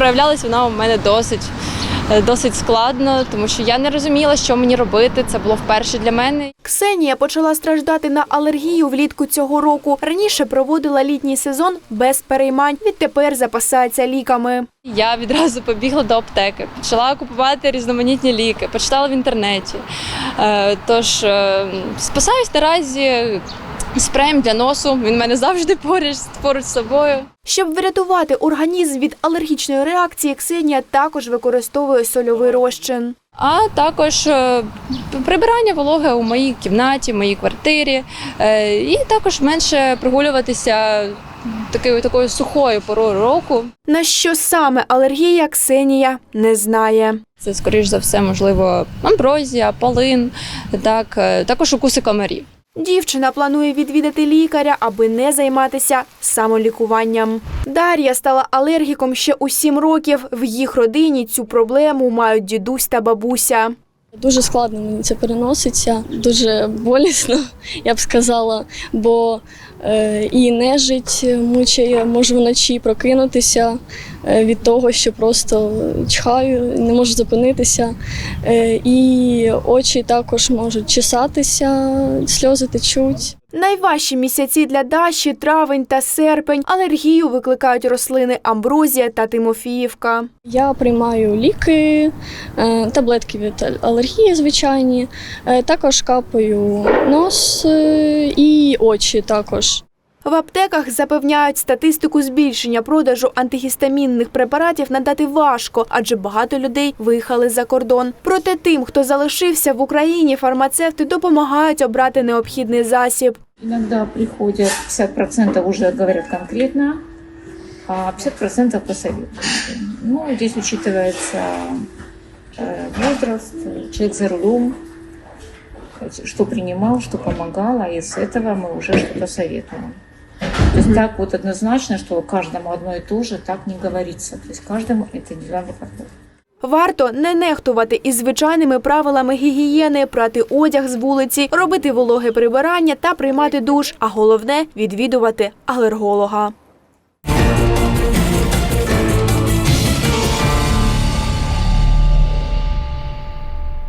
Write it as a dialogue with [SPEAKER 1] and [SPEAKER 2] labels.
[SPEAKER 1] проявлялась вона у мене досить складно, тому що я не розуміла, що мені робити. Це було вперше для мене.
[SPEAKER 2] Ксенія почала страждати на алергію влітку цього року. Раніше проводила літній сезон без переймань. Відтепер запасається ліками.
[SPEAKER 1] Я відразу побігла до аптеки, почала купувати різноманітні ліки, почитала в інтернеті. Тож спасаюсь наразі спреєм для носу, він в мене завжди поруч з собою.
[SPEAKER 2] Щоб врятувати організм від алергічної реакції, Ксенія також використовує сольовий розчин.
[SPEAKER 1] А також прибирання вологи у моїй кімнаті, в моїй квартирі. І також менше прогулюватися такою сухою порою року.
[SPEAKER 2] На що саме алергія, Ксенія не знає.
[SPEAKER 1] Це, скоріш за все, можливо, амброзія, полин, також укуси комарів.
[SPEAKER 2] Дівчина планує відвідати лікаря, аби не займатися самолікуванням. Дар'я стала алергіком ще у 7 років. В їх родині цю проблему мають дідусь та бабуся.
[SPEAKER 3] Дуже складно мені це переноситься, дуже болісно, я б сказала, бо і нежить мучає, можу вночі прокинутися від того, що просто чхаю, не можу зупинитися. І очі також можуть чесатися, сльози течуть.
[SPEAKER 2] Найважчі місяці для Даші – травень та серпень. Алергію викликають рослини амброзія та тимофіївка.
[SPEAKER 3] Я приймаю ліки, таблетки від алергії звичайні, також капаю нос і очі також.
[SPEAKER 2] В аптеках запевняють, статистику збільшення продажу антигістамінних препаратів надати важко, адже багато людей виїхали за кордон. Проте тим, хто залишився в Україні, фармацевти допомагають обрати необхідний засіб.
[SPEAKER 4] Иногда приходят 50% уже говорят конкретно, а 50% посоветуют. Ну, здесь учитывается возраст, человек за рулем, что принимал, что помогало, и с этого мы уже что-то советуем. То есть так вот однозначно, что каждому одно и то же, так не говорится. То есть каждому это индивидуально подходит.
[SPEAKER 2] Варто не нехтувати із звичайними правилами гігієни, прати одяг з вулиці, робити вологе прибирання та приймати душ, а головне – відвідувати алерголога.